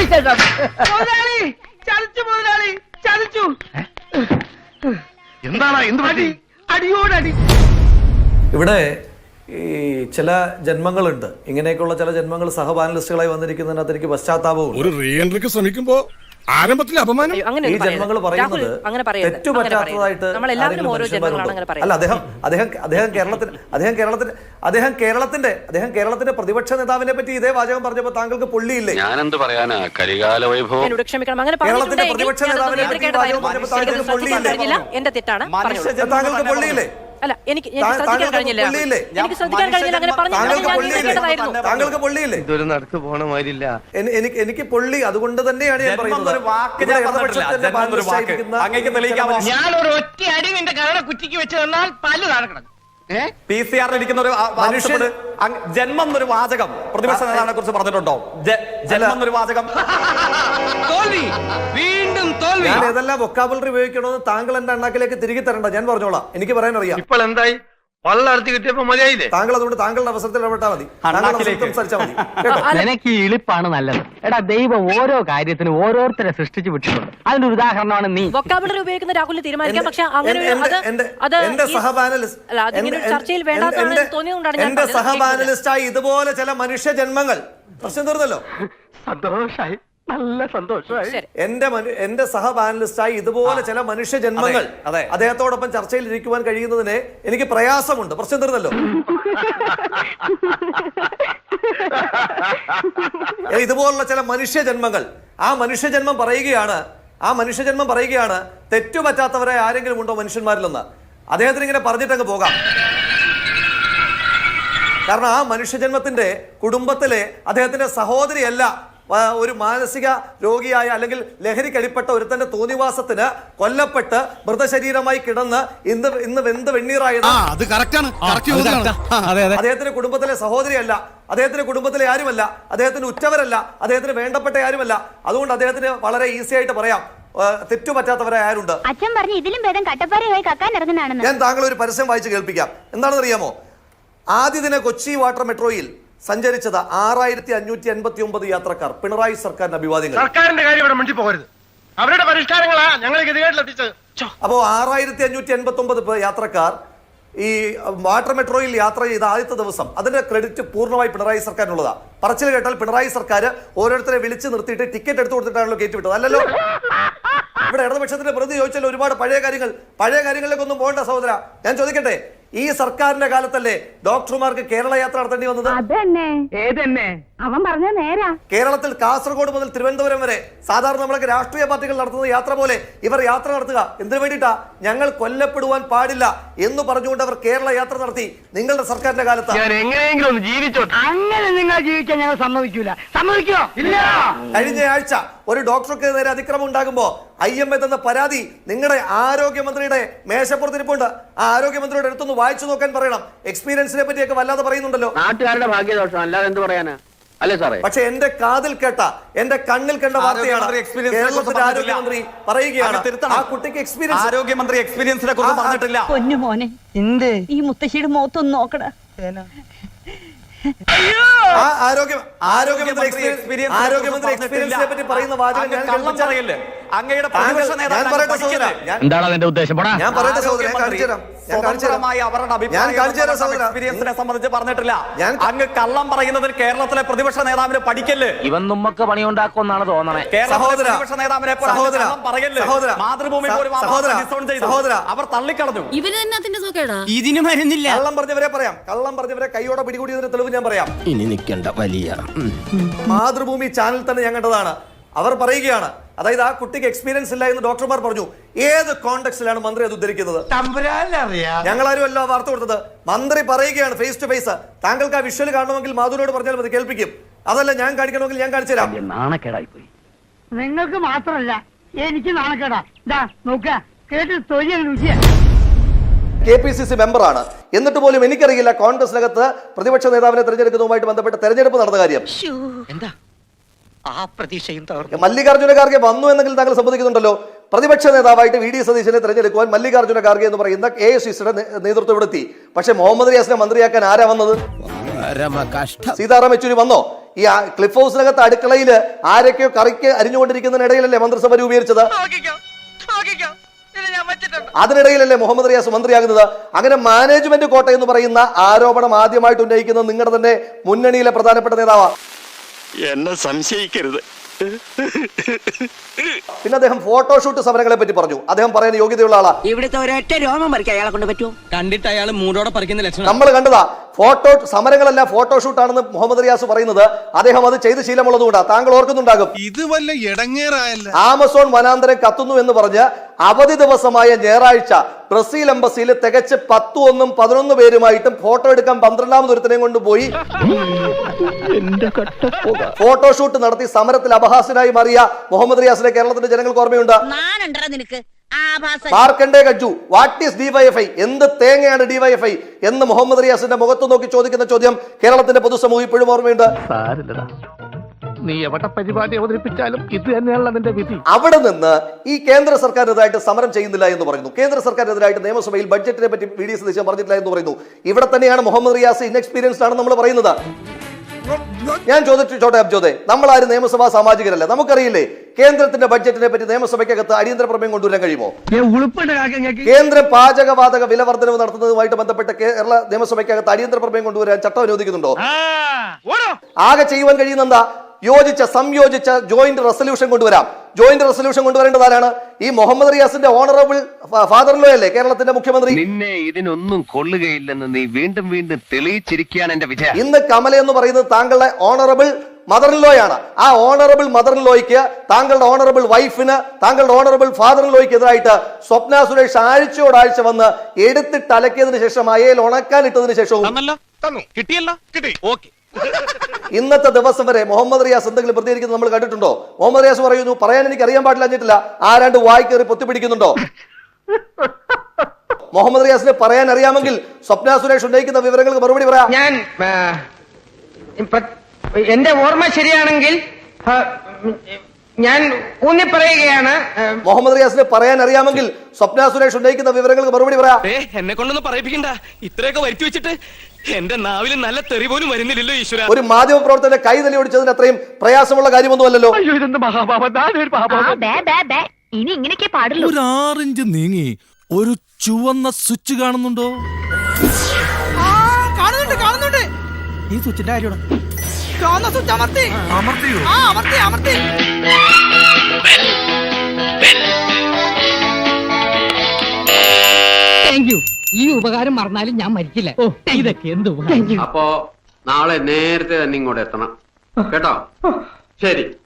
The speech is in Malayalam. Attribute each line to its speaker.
Speaker 1: ഇവിടെ ഈ ചില ജന്മങ്ങളുണ്ട്, ഇങ്ങനെയൊക്കെയുള്ള ചില ജന്മങ്ങൾ സഹപാനലിസ്റ്റുകളായി വന്നിരിക്കുന്നതിനകത്ത് എനിക്ക് പശ്ചാത്താപവും
Speaker 2: ഒരു റീ എൻട്രിക്ക് ശ്രമിക്കുമ്പോ ആരംഭത്തിൽ അപമാനം.
Speaker 1: ഈ ജന്മങ്ങൾ പറയുന്നത് തെറ്റുപറ്റാത്തതായിട്ട് അല്ല. കേരളത്തിന്റെ പ്രതിപക്ഷ നേതാവിനെ പറ്റി ഇതേ വാചകം പറഞ്ഞപ്പോ താങ്കൾക്ക് പൊള്ളിയില്ലേ?
Speaker 3: ഞാനെന്ത് പറയാനാ, കരികാല വൈഭവം.
Speaker 1: കേരളത്തിന്റെ പ്രതിപക്ഷ നേതാവിനെ പറ്റി ഈ വാചകം പറഞ്ഞപ്പോ താങ്കൾക്ക് പൊള്ളിയില്ലേ? താങ്കൾക്ക് പൊള്ളിയില്ലേ?
Speaker 4: അല്ല, എനിക്ക് ശ്രദ്ധിക്കാൻ കഴിഞ്ഞില്ല.
Speaker 1: താങ്കൾക്ക് പൊള്ളിയില്ലേ?
Speaker 5: ഇതൊരു നടക്ക് പോണ മാതിരില്ല.
Speaker 1: എനിക്ക് പൊള്ളി. അതുകൊണ്ട് തന്നെയാണ് ഞാൻ പറയുന്നത്.
Speaker 6: ഞാൻ ഒരു ഒറ്റ അടി നിന്റെ കരട കുറ്റിക്ക് വെച്ച് തന്നാൽ പല്ല് താഴെ
Speaker 7: PCR ഇരിക്കുന്ന ഒരു ജന്മം എന്നൊരു വാചകം പ്രതിപക്ഷ നേതാവിനെ കുറിച്ച് പറഞ്ഞിട്ടുണ്ടോ? ജന്മം എന്നൊരു വാചകം.
Speaker 6: തോൽവി, വീണ്ടും തോൽവി.
Speaker 1: ഞാൻ ഏതെല്ലാം വൊക്കാബുലറി ഉപയോഗിക്കണമെന്ന് താങ്കൾ എന്റെ അണ്ണാക്കിലേക്ക് തിരികെ തരണ്ട. ഞാൻ പറഞ്ഞോളാം, എനിക്ക് പറയാൻ അറിയാം.
Speaker 5: ഇപ്പോൾ എന്തായി? വള്ളർത്തി കിട്ടിയപ്പോ മതിയായില്ലേ?
Speaker 1: താങ്കൾ അതുകൊണ്ട് താങ്കളുടെ അവസരത്തിൽ ഇടപെട്ടാൽ മതി, സംസാരിച്ചാൽ മതി.
Speaker 8: നിനക്ക് ഈ ഇളിപ്പാണ് നല്ലത്. എടാ, ദൈവം ഓരോ കാര്യത്തിനും ഓരോരുത്തരെ സൃഷ്ടിച്ചു വിട്ടിട്ടുണ്ട്. അതിന്റെ ഒരു ഉദാഹരണമാണ് നീ.
Speaker 4: വൊക്കാബുലറി ഉപയോഗിക്കുന്ന രാഹുലിന് തീരുമാനിക്കാം. പക്ഷെ
Speaker 1: എന്റെ സഹപാനലിസ്റ്റായി ഇതുപോലെ ചില മനുഷ്യ ജന്മങ്ങൾ പ്രശ്നം തീർന്നല്ലോ.
Speaker 8: സന്തോഷായി, നല്ല സന്തോഷമായി.
Speaker 1: എന്റെ സഹപാനലിസ്റ്റായി ഇതുപോലെ ചില മനുഷ്യ ജന്മങ്ങൾ അദ്ദേഹത്തോടൊപ്പം ചർച്ചയിൽ ഇരിക്കുവാൻ കഴിയുന്നതിന് എനിക്ക് പ്രയാസമുണ്ട്. പ്രശ്നം തീർന്നല്ലോ. ഇതുപോലുള്ള ചില മനുഷ്യ ജന്മങ്ങൾ, ആ മനുഷ്യജന്മം പറയുകയാണ് തെറ്റുപറ്റാത്തവരെ ആരെങ്കിലും ഉണ്ടോ മനുഷ്യന്മാരിലൊന്ന്? അദ്ദേഹത്തിന് ഇങ്ങനെ പറഞ്ഞിട്ടങ്ങ് പോകാം. കാരണം ആ മനുഷ്യജന്മത്തിന്റെ കുടുംബത്തിലെ അദ്ദേഹത്തിന്റെ സഹോദരിയല്ല ഒരു മാനസിക രോഗിയായ അല്ലെങ്കിൽ ലഹരിക്കടിപ്പെട്ട ഒരുത്തന്റെ തോന്നിവാസത്തിന് കൊല്ലപ്പെട്ട് മൃതശരീരമായി കിടന്ന് ഇന്ന് വെന്ത് വെണ്ണീറായത് അദ്ദേഹത്തിന്റെ കുടുംബത്തിലെ സഹോദരിയല്ല, അദ്ദേഹത്തിന്റെ കുടുംബത്തിലെ ആരുമല്ല, അദ്ദേഹത്തിന് ഉറ്റവരല്ല, അദ്ദേഹത്തിന് വേണ്ടപ്പെട്ട ആരുമല്ല. അതുകൊണ്ട് അദ്ദേഹത്തിന് വളരെ ഈസി ആയിട്ട് പറയാം തെറ്റുപറ്റാത്തവരെ ആരുണ്ട്.
Speaker 9: അച്ഛൻ പറഞ്ഞു ഇതിലും ഭേദം കട്ടപ്പാറയായി കക്കാൻ ഇറങ്ങുന്നതാണെന്ന്.
Speaker 1: ഞാൻ താങ്കൾ ഒരു പരസ്യം വായിച്ച് കേൾപ്പിക്കാം. എന്താണെന്ന് അറിയാമോ? ആദ്യ ദിന കൊച്ചി വാട്ടർ മെട്രോയിൽ സഞ്ചരിച്ചത് 6589 യാത്രക്കാർ. പിണറായി സർക്കാരിന് അഭിവാദ്യങ്ങൾ.
Speaker 5: സർക്കാരിന്റെ കാര്യം ഇവിടെ മിണ്ടി പോകരുത്. അവരുടെ പരിഷ്കാരങ്ങളാ ഞങ്ങളെ ഗതികേട്ടിലെത്തിച്ചത്.
Speaker 1: അപ്പോ 6589 യാത്രക്കാർ ഈ വാട്ടർ മെട്രോയിൽ യാത്ര ചെയ്ത ആദ്യത്തെ ദിവസം അതിന്റെ ക്രെഡിറ്റ് പൂർണ്ണമായി പിണറായി സർക്കാരിനുള്ളതാ. പറച്ചിൽ കേട്ടാൽ പിണറായി സർക്കാർ ഓരോരുത്തരെ വിളിച്ച് നിർത്തിയിട്ട് ടിക്കറ്റ് എടുത്തു കൊടുത്തിട്ടാണല്ലോ കയറ്റിവിട്ടത്, അല്ലല്ലോ. ഇവിടെ ഇടതുപക്ഷത്തിന്റെ പ്രതി ചോദിച്ചാൽ ഒരുപാട് പഴയ കാര്യങ്ങളിലേക്കൊന്നും പോകേണ്ട സഹോദര. ഞാൻ ചോദിക്കട്ടെ, ഈ സർക്കാരിന്റെ കാലത്തല്ലേ ഡോക്ടർമാർക്ക് കേരള യാത്ര നടത്തേണ്ടി വന്നത്?
Speaker 9: അവൻ പറഞ്ഞ നേരാ.
Speaker 1: കേരളത്തിൽ കാസർഗോഡ് മുതൽ തിരുവനന്തപുരം വരെ സാധാരണ നമ്മളൊക്കെ രാഷ്ട്രീയ പാർട്ടികൾ നടത്തുന്ന യാത്ര പോലെ ഇവർ യാത്ര നടത്തുക. എന്തിനു വേണ്ടിയിട്ടാ? ഞങ്ങൾ കൊല്ലപ്പെടുവാൻ പാടില്ല എന്ന് പറഞ്ഞുകൊണ്ട് അവർ കേരള യാത്ര നടത്തി. നിങ്ങളുടെ സർക്കാരിന്റെ കാലത്ത്
Speaker 8: എങ്ങനെയെങ്കിലും ഒന്ന് ജീവിച്ചോട്ടെ. അങ്ങനെ നിങ്ങൾ ജീവിക്കാൻ ഞങ്ങൾ സമ്മതിക്കൂല. സമ്മതിക്കോ? ഇല്ല.
Speaker 1: കഴിഞ്ഞ ആഴ്ച ഒരു ഡോക്ടർക്ക് നേരെ അതിക്രമം ഉണ്ടാകുമ്പോ IMA എന്ന പരാതി നിങ്ങളുടെ ആരോഗ്യമന്ത്രിയുടെ മേശപ്പുറത്തിരിപ്പുണ്ട്. ആ ആരോഗ്യമന്ത്രിയുടെ അടുത്തൊന്ന് വായിച്ചു നോക്കാൻ പറയണം. എക്സ്പീരിയൻസിനെ പറ്റിയൊക്കെ വല്ലാതെ പറയുന്നുണ്ടല്ലോ.
Speaker 8: നാട്ടുകാരുടെ ഭാഗ്യദോഷം, അല്ലാതെ എന്ത് പറയാനാ? അല്ലേ സാറേ?
Speaker 1: പക്ഷെ എന്റെ കാതിൽ കേട്ട, എന്റെ കണ്ണിൽ കണ്ട വാർത്തയാണ് കേരളത്തിന്റെ ആരോഗ്യമന്ത്രി പറയുകയാണ് ആ കുട്ടിക്ക് എക്സ്പീരിയൻസ്.
Speaker 7: ആരോഗ്യമന്ത്രി എക്സ്പീരിയൻസിനെ കുറിച്ച് പറഞ്ഞിട്ടില്ല.
Speaker 4: പൊന്നു മോനെ, ഈ മുത്തശ്ശിയുടെ മുഖത്തൊന്ന് നോക്കടാ.
Speaker 1: ആരോഗ്യമന്ത്രി എക്സ്പീരിയൻസിനെ പറ്റി പറയുന്ന വാചകം
Speaker 8: എന്താണ് അതിന്റെ ഉദ്ദേശം?
Speaker 1: ഞാൻ പറയട്ടെ സഹോദരൻ,
Speaker 7: എക്സ്പീരിയൻസിനെ സംബന്ധിച്ച് പറഞ്ഞിട്ടില്ല. അങ്ങ് കള്ളം പറയുന്നതിൽ കേരളത്തിലെ പ്രതിപക്ഷ നേതാവിന് പഠിക്കല്.
Speaker 8: ഇവൻ നമ്മക്ക് പണിയുണ്ടാക്കുമെന്നാണ് തോന്നണേ.
Speaker 7: പ്രതിപക്ഷ നേതാവിനെ മാതൃഭൂമി അവർ തള്ളിക്കളഞ്ഞു.
Speaker 4: ഇതിന് മരുന്നില്ല.
Speaker 1: കള്ളം പറഞ്ഞവരെ കൈയോടെ പിടികൂടിയതിന്റെ തെളിവ് ഞാൻ പറയാം.
Speaker 5: ഇനി നിൽക്കേണ്ട വലിയ
Speaker 1: മാതൃഭൂമി ചാനൽ തന്നെ ഞാൻ കണ്ടതാണ്. അവർ പറയുകയാണ്, അതായത് ആ കുട്ടിക്ക് എക്സ്പീരിയൻസ് ഇല്ല എന്ന് ഡോക്ടർമാർ പറഞ്ഞു. ഏത് കോണ്ടെക്സ്റ്റിലാണ് മന്ത്രി അത് ഉദ്ധരിക്കുന്നത്? ഞങ്ങളാരും അല്ല വാർത്ത കൊടുത്തത്. മന്ത്രി പറയുകയാണ് ഫേസ് ടു ഫേസ്. താങ്കൾക്ക് ആ വിഷ്വൽ കാണണമെങ്കിൽ മാധുരോട് പറഞ്ഞാൽ മതി, കേൾപ്പിക്കും. അതല്ല ഞാൻ കാണിക്കണമെങ്കിൽ ഞാൻ കാണിച്ചു തരാം.
Speaker 8: നാണക്കേടായി പോയി.
Speaker 10: നിങ്ങൾക്ക് മാത്രമല്ല എനിക്ക് നാണക്കേടാ. കേട്ട് തൊഴിൽ രുചിയാ.
Speaker 1: KPCC മെമ്പറാണ്. എന്നിട്ട് പോലും എനിക്കറിയില്ല കോൺഗ്രസിനകത്ത് പ്രതിപക്ഷ നേതാവിനെ തെരഞ്ഞെടുക്കുന്നതുമായിട്ട് ബന്ധപ്പെട്ട തെരഞ്ഞെടുപ്പ് നടന്ന കാര്യം. മല്ലികാർജ്ജുന ഖാർഗെ വന്നു എന്നെങ്കിലും താങ്കൾ സമ്മതിക്കുന്നുണ്ടല്ലോ. പ്രതിപക്ഷ നേതാവായിട്ട് VD സതീശനെ തെരഞ്ഞെടുക്കുവാൻ മല്ലികാർജ്ജുന ഖാർഗെ എന്ന് പറയുന്ന AICCയുടെ നേതൃത്വം എടുത്തി. പക്ഷെ മുഹമ്മദ് റിയാസിനെ മന്ത്രിയാക്കാൻ ആരാ വന്നത്? സീതാറാം യെച്ചൂരി വന്നോ? ഈ ക്ലിഫ് ഹൗസിനകത്ത് അടുക്കളയിൽ ആരൊക്കെയോ കറിക്ക് അരിഞ്ഞുകൊണ്ടിരിക്കുന്നതിനിടയിലല്ലേ മന്ത്രിസഭ രൂപീകരിച്ചത്? അതിനിടയിലല്ലേ മുഹമ്മദ് റിയാസ് മന്ത്രിയാകുന്നത്? അങ്ങനെ മാനേജ്മെന്റ് കോട്ട എന്ന് പറയുന്ന ആരോപണം ആദ്യമായിട്ട് ഉന്നയിക്കുന്നത് നിങ്ങളുടെ തന്നെ മുന്നണിയിലെ പ്രധാനപ്പെട്ട നേതാവാണ്.
Speaker 3: എന്നെ സംശയിക്കരുത്.
Speaker 1: പിന്നെ അദ്ദേഹം ഫോട്ടോഷൂട്ട് സമരങ്ങളെ പറ്റി പറഞ്ഞു. അദ്ദേഹം പറയാൻ യോഗ്യതയുള്ള ആളാ.
Speaker 4: ഇവിടുത്തെ ഒരൊറ്റ രോമം പറിക്കാൻ അയാളെ കൊണ്ട് പറ്റുമോ?
Speaker 8: കണ്ടിട്ട് അയാൾ മൂടോടെ പറിക്കുന്ന ലക്ഷണം
Speaker 1: നമ്മൾ കണ്ടതാ. സമരങ്ങളല്ല ഫോട്ടോഷൂട്ടാണെന്ന് മുഹമ്മദ് റിയാസ് പറയുന്നത് അദ്ദേഹം അത് ചെയ്ത് ശീലമുള്ളതുകൊണ്ടാ. താങ്കൾ ഓർക്കുന്നുണ്ടാകും,
Speaker 2: ഇത് വല്ല ഇടങ്ങേറായല്ല.
Speaker 1: ആമസോൺ വനാന്തരം കത്തുന്നു എന്ന് പറഞ്ഞ് അവധി ദിവസമായ ഞായറാഴ്ച ബ്രസീൽ എംബസിയിൽ തികച്ച് 10-11 പേരുമായിട്ടും ഫോട്ടോ എടുക്കാൻ 12ാമത് ഒരുത്തനെയും കൊണ്ടുപോയി ഫോട്ടോഷൂട്ട് നടത്തി സമരത്തിൽ അപഹാസ്യനായി മാറിയ മുഹമ്മദ് റിയാസിനെ കേരളത്തിന്റെ ജനങ്ങൾക്ക് ഓർമ്മയുണ്ട്. Markandey Katju, what is DYFI, എന്ത് തേങ്ങയാണ് ഡിവൈഎഫ്ഐ എന്ന് മുഹമ്മദ് റിയാസിന്റെ മുഖത്ത് നോക്കി ചോദിക്കുന്ന ചോദ്യം കേരളത്തിന്റെ പൊതുസമൂഹം ഇപ്പോഴും ഓർമ്മയുണ്ട്.
Speaker 5: നീ എവിടെ പരിപാടി അവതരിപ്പിച്ചാലും ഇത് തന്നെയാണല്ലോ അതിന്റെ വിധി.
Speaker 1: അവിടെ നിന്ന് ഈ കേന്ദ്ര സർക്കാരിനെതിരായിട്ട് സമരം ചെയ്യുന്നില്ല എന്ന് പറയുന്നു. കേന്ദ്ര സർക്കാരിനെതിരായിട്ട് നിയമസഭയിൽ ബഡ്ജറ്റിനെ പറ്റി വി.ഡി. സതീശൻ പറഞ്ഞിട്ടില്ല എന്ന് പറയുന്നു. ഇവിടെ തന്നെയാണ് മുഹമ്മദ് റിയാസ് ഇൻഎക്സ്പീരിയൻസ്ഡ് ആണെന്ന് നമ്മൾ പറയുന്നത്. ഞാൻ ചോദിച്ചോട്ടെ അബ്ജോദെ, നമ്മളാരും നിയമസഭാ സാമാജികരല്ല. നമുക്കറിയില്ലേ കേന്ദ്രത്തിന്റെ ബഡ്ജറ്റിനെ പറ്റി നിയമസഭയ്ക്കകത്ത് അടിയന്തര പ്രമേയം കൊണ്ടുവരാൻ കഴിയുമോ? കേന്ദ്ര പാചകവാതക വില വർധനവ് നടത്തുന്നതുമായിട്ട് ബന്ധപ്പെട്ട് കേരള നിയമസഭയ്ക്കകത്ത് അടിയന്തര പ്രമേയം കൊണ്ടുവരാൻ ചട്ടം അനുവദിക്കുന്നുണ്ടോ? ആകെ ചെയ്യുവാൻ കഴിയുന്ന എന്താ? സംയോജിച്ച ജോയിന്റ് റെസൊല്യൂഷൻ കൊണ്ടുവരാം. ജോയിന്റ് റെസൊല്യൂഷൻ കൊണ്ടുവരേണ്ടതാണ് ഈ മുഹമ്മദ് റിയാസിന്റെ ഓണറബിൾ ഫാദർ ലോ അല്ലേ കേരളത്തിന്റെ മുഖ്യമന്ത്രി.
Speaker 3: നിന്നെ ഇതിനൊന്നും കൊള്ളുകയില്ലെന്ന് നീ വീണ്ടും വീണ്ടും തെളിയിച്ചിരിക്കുകയാണ് എന്റെ വിജയം.
Speaker 1: ഇന്ന് കമല എന്ന് പറയുന്നത് താങ്കളുടെ ഓണറബിൾ മദർ ഇൻ ലോയാണ്. ആ ഓണറബിൾ മദർ ഇൻ ലോയ്ക്ക്, താങ്കളുടെ ഓണറബിൾ വൈഫിന്, താങ്കളുടെ ഓണറബിൾ ഫാദർ ഇൻ ലോയ്ക്ക് എതിരായിട്ട് സ്വപ്ന സുരേഷ് ആഴ്ചയോടാഴ്ച വന്ന് എടുത്തിട്ട് അലക്കിയതിനു ശേഷം അയയിൽ ഉണക്കാൻ ഇട്ടതിനു ശേഷവും ഇന്നത്തെ ദിവസം വരെ മുഹമ്മദ് റിയാസ് എന്തെങ്കിലും പ്രതികരിക്കുന്നത് നമ്മൾ കണ്ടിട്ടുണ്ടോ? മുഹമ്മദ് റിയാസ് പറയുന്നു, പറയാൻ എനിക്ക് അറിയാൻ പാടില്ല, ആരാണ്ട് വായി കയറി പൊത്തിപ്പിടിക്കുന്നുണ്ടോ? മുഹമ്മദ് റിയാസിന് പറയാൻ അറിയാമെങ്കിൽ സ്വപ്ന സുരേഷ് ഉന്നയിക്കുന്ന വിവരങ്ങൾക്ക് മറുപടി പറയാം.
Speaker 6: ഞാൻ എന്റെ ഓർമ്മ ശരിയാണെങ്കിൽ ഞാൻ ഊന്നി പറയുകയാണ്.
Speaker 1: മുഹമ്മദ് റിയാസിന് പറയാൻ അറിയാമെങ്കിൽ സ്വപ്ന സുരേഷ് ഉന്നയിക്കുന്ന വിവരങ്ങൾക്ക് മറുപടി പറയാം.
Speaker 8: എന്നെ കൊണ്ടൊന്നും പറയിപ്പിക്കണ്ട. ഇത്രയൊക്കെ വരുത്തി വെച്ചിട്ട് എന്റെ നാവിൽ നല്ല തെറി പോലും വരുന്നില്ലല്ലോ ഈശ്വര.
Speaker 1: ഒരു മാധ്യമ പ്രവർത്തകന്റെ കൈ തല്ലി ഓടിച്ചതിന് അത്രയും പ്രയാസമുള്ള കാര്യമൊന്നുമല്ലല്ലോ.
Speaker 9: ഇനി ഇങ്ങനെയൊക്കെ പാടുള്ളൂ.
Speaker 2: ഒരു 6 ഇഞ്ച് നീങ്ങി ഒരു ചുവന്ന സ്വിച്ച് കാണുന്നുണ്ടോ?
Speaker 10: കാണുന്നുണ്ട്. ഈ സ്വിച്ചിന്റെ കാര്യമാണ്. അമർത്തിയോ? അമർത്തി.
Speaker 4: Thank you. ഈ ഉപകാരം മറന്നാലും ഞാൻ മരിക്കില്ല. ഇതൊക്കെ എന്ത്
Speaker 3: അപ്പോ നാളെ നേരത്തെ തന്നെ ഇങ്ങോട്ട് എത്തണം കേട്ടോ. ശരി.